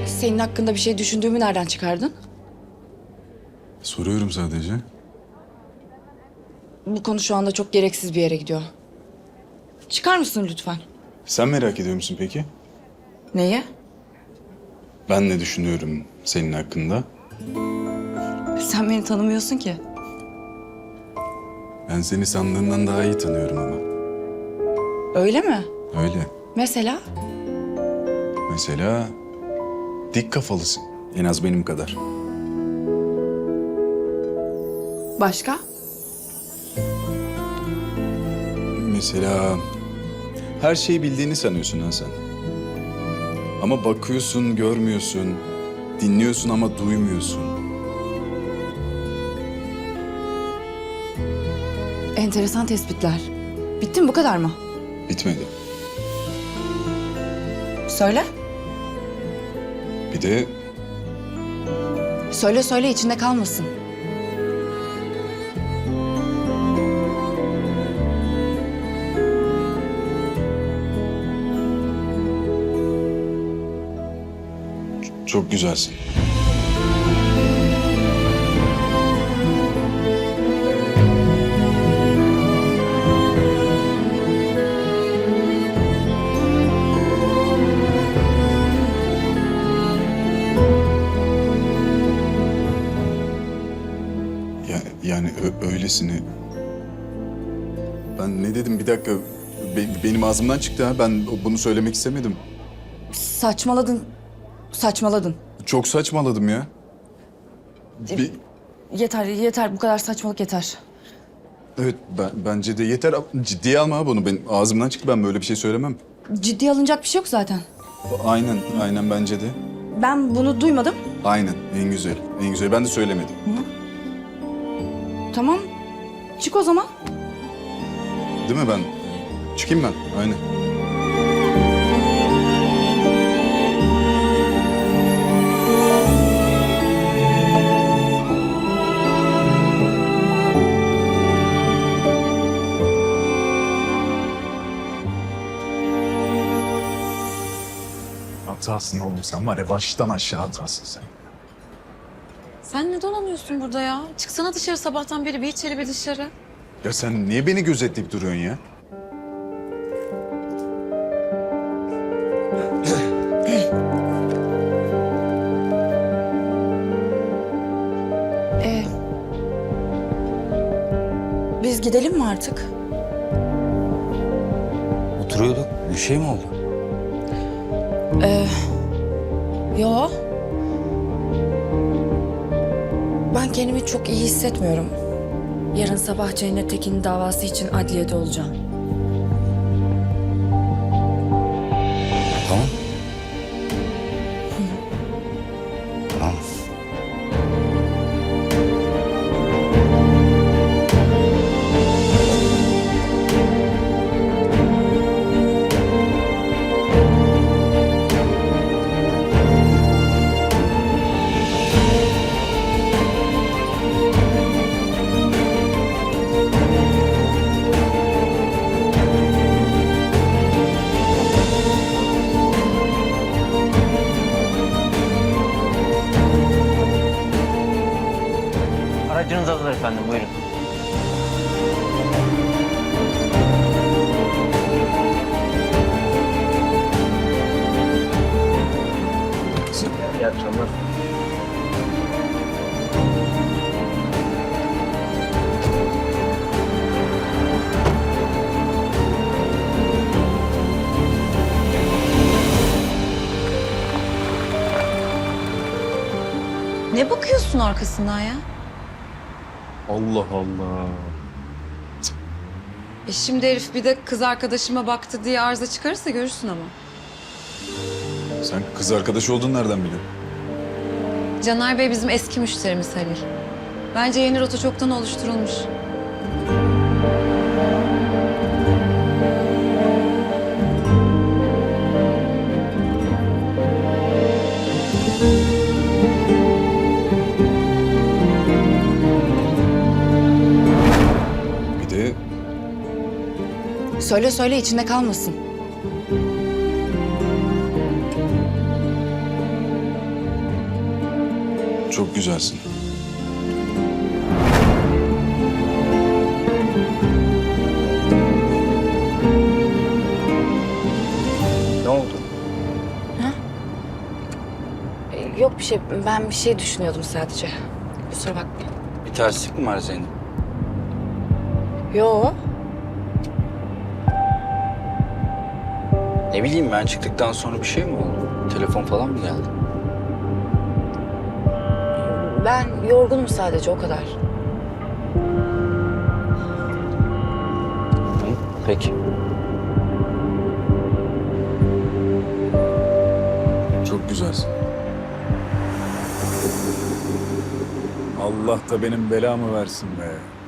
Senin hakkında bir şey düşündüğümü nereden çıkardın? Soruyorum sadece. Bu konu şu anda çok gereksiz bir yere gidiyor. Çıkar mısın lütfen? Sen merak ediyor musun peki? Neyi? Ben ne düşünüyorum senin hakkında? Sen beni tanımıyorsun ki. Ben seni sandığından daha iyi tanıyorum ama. Öyle mi? Öyle. Mesela? Mesela dik kafalısın. En az benim kadar. Başka? Mesela her şeyi bildiğini sanıyorsun ha sen. Ama bakıyorsun, görmüyorsun. Dinliyorsun ama duymuyorsun. Enteresan tespitler. Bitti mi, bu kadar mı? Bitmedi. Söyle. Bir de Söyle söyle, içinde kalmasın. çok güzelsin. Yani öylesini. Ben ne dedim bir dakika. Benim ağzımdan çıktı ha. Ben bunu söylemek istemedim. Saçmaladın. Saçmaladın. Çok saçmaladım ya. Bir, Yeter, yeter. Bu kadar saçmalık yeter. evet bence de yeter. Ciddiye alma ha bunu. Benim ağzımdan çıktı. Ben böyle bir şey söylemem. Ciddiye alınacak bir şey yok zaten. Aynen bence de. Ben bunu duymadım. Aynen en güzel. En güzel. Ben de söylemedim. Tamam. Çık o zaman. Değil mi ben? Çıkayım ben. Aynen. Hatasın oğlum sen var ya baştan aşağı hatasın sen. Sen ne dolanıyorsun burada ya? Çıksana dışarı sabahtan beri bir içeri bir dışarı. Ya sen niye beni gözetleyip duruyorsun ya? Biz gidelim mi artık? Oturuyorduk. Bir şey mi oldu? Yo. Ben kendimi çok iyi hissetmiyorum. Yarın sabah Cennet Tekin'in davası için adliyede olacağım. Tamam. Tamam. Aracınız hazır efendim, buyurun. İyi akşamlar. Ne bakıyorsun arkasından ya? Allah Allah. Şimdi herif bir de kız arkadaşıma baktı diye arıza çıkarırsa görürsün ama. Sen kız arkadaş olduğunu nereden biliyorsun? Caner Bey bizim eski müşterimiz Halil. Bence yeni rota çoktan oluşturulmuş. Bir de Söyle söyle, içinde kalmasın. Çok güzelsin. Ne oldu? Yok bir şey. Ben bir şey düşünüyordum sadece. Kusura bakma. Bir terslik mi var Zeynep? Yo. Ne bileyim ben çıktıktan sonra bir şey mi oldu? Telefon falan mı geldi? Ben yorgunum sadece o kadar. Hı, peki. Çok güzelsin. Allah da benim belamı versin be.